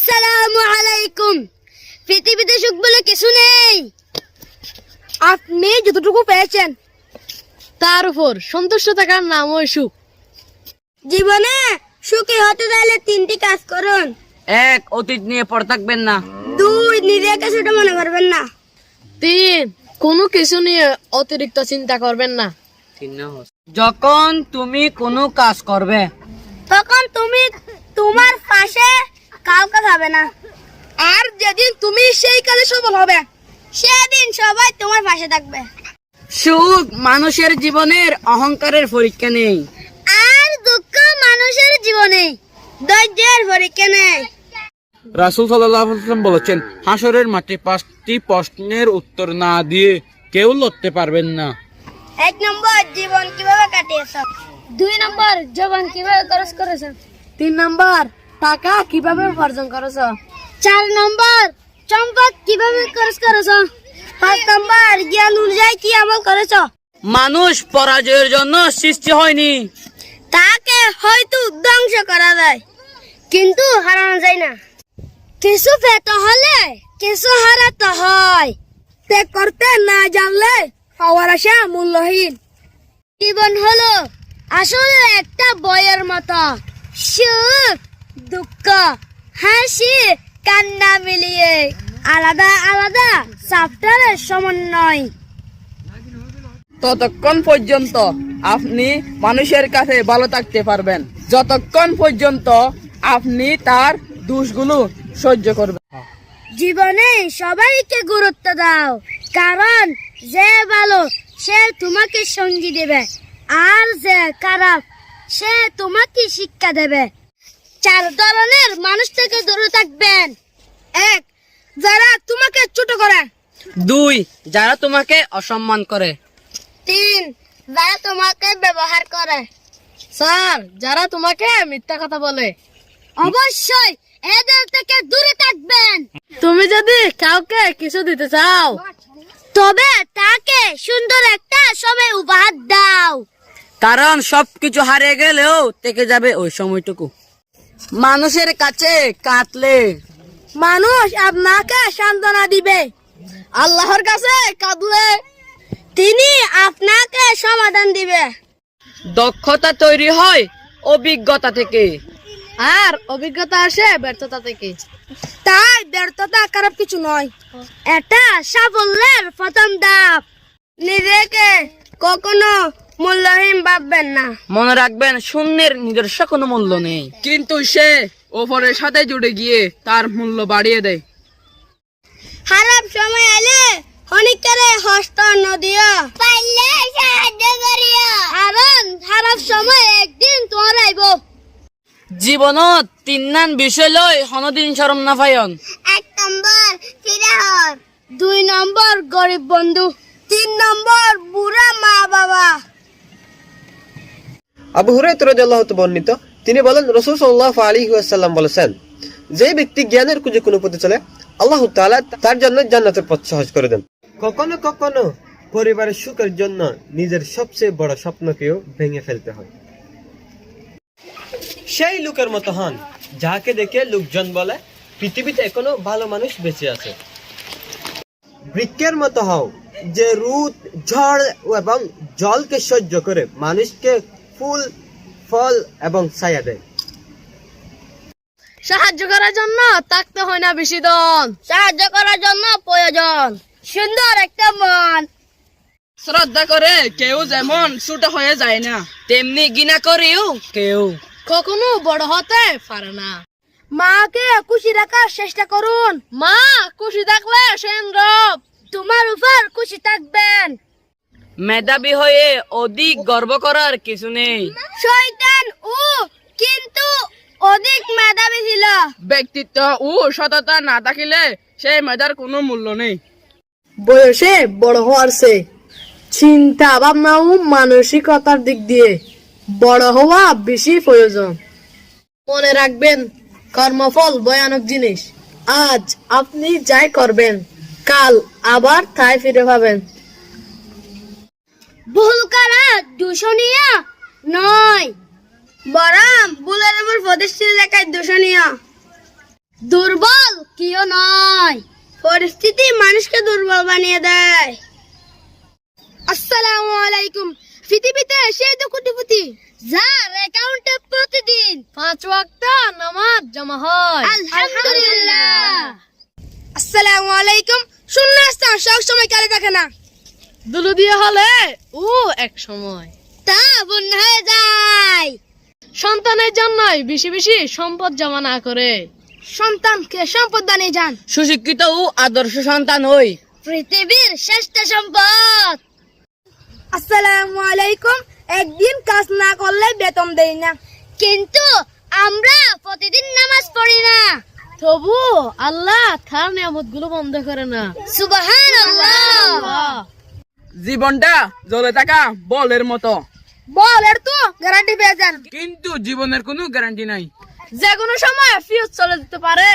আসসালামু আলাইকুম। পৃথিবীতে সুখ বলে কিছু নেই। আপনি যতটুকু পেয়েছেন তার উপর সন্তুষ্ট থাকার নামই সুখ। জীবনে সুখী হতে চাইলে 3টি কাজ করুন। 1. অতীত নিয়ে পড়ে থাকবেন না। 2. নিজেকে ছোট মনে করবেন না। 3. কোনো কিছু নিয়ে অতিরিক্ত চিন্তা করবেন না। যখন তুমি কোনো কাজ করবে তখন তুমি তোমার পাশে কাউকে পাবে না। আর যেদিন তুমি সেই কাজে সফল হবে সেদিন সবাই তোমার পাশে থাকবে। সুখ মানুষের জীবনের অহংকারের পরীক্ষা নেই। আর দুঃখ মানুষের জীবনে ধৈর্যের পরীক্ষা নেই। রাসূল সাল্লাল্লাহু আলাইহি ওয়াসাল্লাম বলেছেন, হাসরের মাঠে 5টি প্রশ্নের উত্তর না দিয়ে কেউ লড়তে পারবেন না। 1 নম্বর, জীবন কিভাবে কাটিয়েছো। 2 নম্বর, জীবন কিভাবে খরচ করেছো। 3 নাম্বার, টাকা কিভাবে উপার্জন করেছো। 4 নম্বর, সম্পদ কিভাবে খরচ করেছো। 5 নম্বর, জ্ঞান অনুযায়ী কি আমল করেছো। মানুষ পরাজয়ের জন্য সৃষ্টি হয়নি, তাকে হয়তো ধ্বংস করা যায় কিন্তু হারানো যায় না। কিছু পেতে হলে কিছু হারাতে হয়। ত্যাগ করতে না জানলে পাওয়ার আশা মূল্যহীন। জীবন হলো আসলে একটা বইয়ের মতো, সুখ দুঃখ হাসি কান্না মিলিয়ে আলাদা আলাদা চ্যাপ্টারের সমন্বয়। ততক্ষণ পর্যন্ত আপনি মানুষের কাছে ভালো থাকতে পারবেন যতক্ষণ পর্যন্ত আপনি তার দোষগুলো সহ্য করবেন। জীবনে সবাইকে গুরুত্ব দাও, কারণ যে ভালো সে তোমাকে সঙ্গী দেবে আর যে খারাপ সে তোমাকে শিক্ষা দেবে। 4 ধরনের মানুষ থেকে দূরে থাকবেন। 1. যারা তোমাকে ছোট করে। 2. যারা তোমাকে অসম্মান করে। 3. যারা তোমাকে ব্যবহার করে। স্যার, যারা তোমাকে মিথ্যা কথা বলে। অবশ্যই এদের থেকে দূরে থাকবেন। তুমি যদি কাউকে কিছু দিতে চাও তবে তাকে সুন্দর একটা সময় উপহার দাও। কারণ সবকিছু হারিয়ে গেলেও থেকে যাবে ওই সময়টুকু। মানুষের কাছে কাঁদলে মানুষ আপনাকে সান্ত্বনা দিবে। আল্লাহর কাছে কাঁদলে তিনি আপনাকে সমাধান দিবে। দক্ষতা তৈরি হয় অভিজ্ঞতা থেকে, আর অভিজ্ঞতা আসে ব্যর্থতা থেকে। তাই ব্যর্থতা খারাপ কিছু নয়, এটা সাফল্যের প্রথম ধাপ। নিজেকে কখনো মূল্যহীন ভাববেন না। মনে রাখবেন শূন্যের নিজস্ব কোনো মূল্য নেই, কিন্তু সে ওপরের সাথে জুড়ে গিয়ে তার মূল্য বাড়িয়ে দেয়। খারাপ সময় এলে হনিকারে হস্ত নদিও, পাইলে সাহায্য করিও, কারণ খারাপ সময় একদিন তোমার আইব। জীবনত 3 নান বিষয় লয় হনদিন শরম না পায়ন। 1 নম্বর ফিরাহর, 2 নম্বর গরিব বন্ধু, 3 নম্বর বুড়া মা বাবা। আবু হুরায়রা রাদিয়াল্লাহু তাআলা বর্ণিত, তিনি বলেন, রাসূল সাল্লাল্লাহু আলাইহি ওয়াসাল্লাম বলেছেন, যে ব্যক্তি জ্ঞানের খুঁজে কোনো পথে চলে, আল্লাহ তাআলা তার জন্য জান্নাতের পথ সহজ করে দেন। কখনো কখনো পরিবারের সুখের জন্য নিজের সবচেয়ে বড় স্বপ্নকেও ভেঙে ফেলতে হয়। সেই লোকের মতো হন যাকে দেখে লোকজন বলে পৃথিবীতে এখনো ভালো মানুষ বেঁচে আছে। বৃক্ষের মতো হও যে রোদ ঝড় এবং জলকে সহ্য করে মানুষকে ফুল ফল এবং ছায়া দেয়। সাহায্য করার জন্য থাকতে হয় না বেশি ধন, সাহায্য করার জন্য প্রয়োজন সুন্দর একটা মন। শ্রদ্ধা করে কেউ যেমন ছোট হয়ে যায় না, তেমনি ঘৃণা করেও কেউ কখনো বড় হতে পারে না। মাকে খুশি রাখার চেষ্টা করুন। মা খুশি থাকলে সেনরব তোমার উপর খুশি থাকবেন। মেধাবী হয়ে অধিক গর্ব করার কিছু নেই। শয়তান ও কিন্তু অধিক মেধাবী ছিল। ব্যক্তিত্ব ও সততা না থাকিলে সেই মেধার কোনো মূল্য নেই। বয়সে বড় হওয়ার চেয়ে চিন্তা ভাবনা ও মানসিকতার দিক দিয়ে বড় হওয়া বেশি প্রয়োজন। মনে রাখবেন, কর্মফল ভয়ানক জিনিস। আজ আপনি যাই করবেন কাল আবার তাই ফিরে পাবেন। ভুল করা দূষণীয় নয়, বরং ভুলের উপর প্রতিষ্ঠিত থাকা দূষণীয়। দুর্বল কেউ নয়, পরিস্থিতি মানুষকে দুর্বল বানিয়ে দেয়। আসসালামু আলাইকুম। পৃথিবীতে সেই তো কোটিপতি যার অ্যাকাউন্টে প্রতিদিন 5 ওয়াক্ত নামাজ জমা হয়। আলহামদুলিল্লাহ। আসসালামু আলাইকুম। শূন্যস্থান সব সময় কালে থাকে না, দুলু দিয়ে হলে ও এক সময় তা বন্যা হয়ে যায়। সন্তানের জন্যই বেশি বেশি সম্পদ জমা না করে সন্তানকে সম্পদ দানে যান, সুশিক্ষিত ও আদর্শ সন্তান হই। পৃথিবীর শ্রেষ্ঠ সম্পদ। আসসালামু আলাইকুম। একদিন কাজ না করলে বেতন দেই না, কিন্তু আমরা প্রতিদিন নামাজ পড়ি না। তবু আল্লাহ তার নিয়ামত গুলো বন্ধ করে না। সুবহানাল্লাহ। জীবনটা জ্বলে থাকা বলের মতো, বলের তো গ্যারান্টি পেয়ে যান, কিন্তু জীবনের কোনো গ্যারান্টি নাই। যে কোনো সময় ফিউজ চলে যেতে পারে।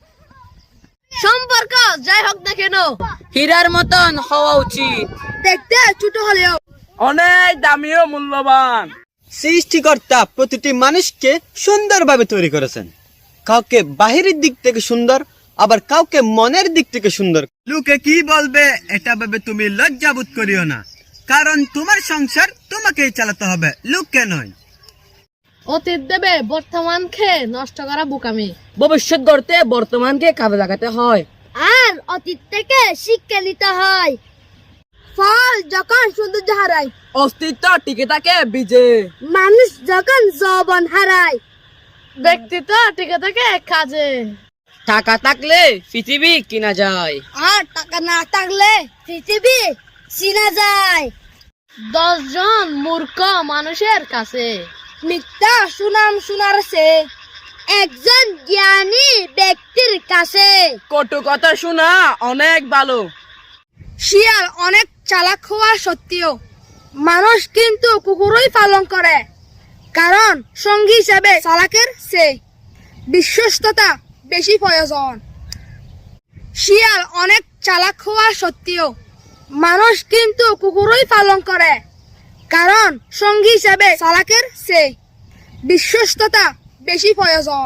সম্পর্ক যাই হোক না কেন হীরার মতন হওয়া উচিত, দেখতে ছোট হলেও অনেক দামি ও মূল্যবান। সৃষ্টিকর্তা প্রতিটি মানুষকে সুন্দরভাবে তৈরি করেছেন। কাউকে বাহিরের দিক থেকে সুন্দর, আবার কাউকে মনের দিক থেকে সুন্দর। লোকে কি বলবে এটা ভেবে তুমি লজ্জাবোধ করিও না, কারণ তোমার সংসার তোমাকেই চালাতে হবে, লোককে নয়। অতীত দেবে বর্তমানকে নষ্ট করা বোকামি। ভবিষ্যৎ গড়তে বর্তমানকে কাজে লাগাতে হয়। আর অতীত থেকে শিক্ষা নিতে হয়। ফল যখন সৌন্দর্য হারায়, অস্তিত্ব টিকে থাকে বীজে। মানুষ যখন যৌবন হারায়, ব্যক্তিত্ব টিকে থাকে কাজে। টাকা থাকলে পৃথিবী কিনা যায়, আর টাকা না থাকলে পৃথিবী চিনা যায়। 10 জন মূর্খ মানুষের কাছে মিথ্যা সুনাম শোনার চেয়ে একজন জ্ঞানী ব্যক্তির কাছে। কটু কথা শোনা অনেক ভালো। শিয়াল অনেক চালাক হওয়া সত্ত্বেও মানুষ কিন্তু কুকুরই পালন করে, কারণ সঙ্গী হিসাবে চালাকের চেয়ে বিশ্বস্ততা বেশি প্রয়োজন। শিয়াল অনেক চালাক হওয়া সত্ত্বেও মানুষ কিন্তু কুকুরই পালন করে, কারণ সঙ্গী হিসাবে চালাকের চেয়ে বিশ্বস্ততা বেশি প্রয়োজন।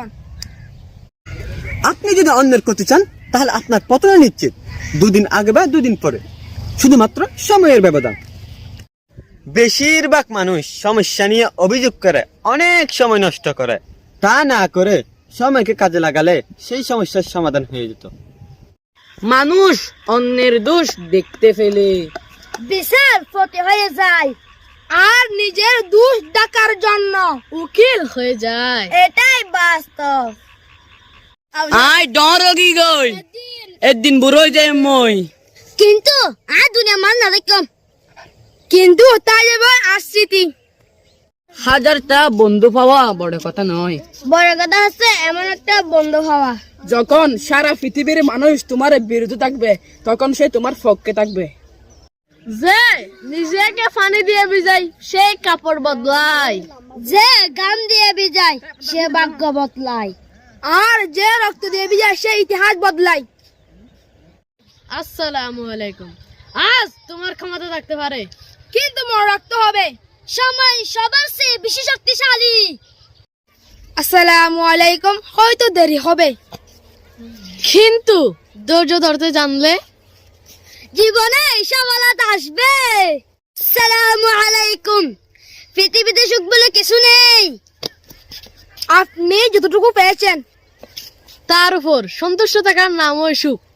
আপনি যদি অন্যের ক্ষতি চান, তাহলে আপনার পতন নিশ্চিত, 2 দিন আগে বা 2 দিন পরে, শুধুমাত্র সময়ের ব্যবধান। বেশিরভাগ মানুষ সমস্যা নিয়ে অভিযোগ করে, অনেক সময় নষ্ট করে। তা না করে সময়কে কাজে লাগালে সেই সমস্যার সমাধান হয়ে যেত। মানুষ অন্যের দোষ দেখতে ফেলে বিচার প্রতি হয়ে যায়, আর নিজের দোষ ঢাকার জন্য উকিল হয়ে যায়। এটাই বাস্তব। আই ডরগি গই একদিন বুড়ো হয়ে যায় মই। কিন্তু আর দুনিয়া মান না দেখম, কিন্তু তাই যাবে আসছি। হাজারটা বন্ধু পাওয়া বড় কথা নয়, বড় কথা হচ্ছে এমন একটা বন্ধু হওয়া। যখন সারা পৃথিবীর মানুষ তোমার বিরুদ্ধে থাকবে, তখন সে তোমার পক্ষে থাকবে। যে নিজেকে পানি দিয়ে ভিজাই সেই কাপড় বদলায়। যে গান দিয়ে বিজায় সে ভাগ্য বদলায়, আর যে রক্ত দিয়ে বিজায় সে ইতিহাস বদলায়। আসসালামু আলাইকুম। আজ তোমার ক্ষমতা থাকতে পারে, কিন্তু মনে রাখতে হবে সময় সবার চেয়ে বেশি শক্তিশালী। আসসালামু আলাইকুম। হয়তো দেরি হবে, কিন্তু ধৈর্য ধরতে জানলে জীবনে সফলতা আসবে। আসসালামু আলাইকুম। পৃথিবীতে সুখ বলে কিছু নেই, আপনি যতটুকু পেয়েছেন তার উপর সন্তুষ্ট থাকার নামই সুখ।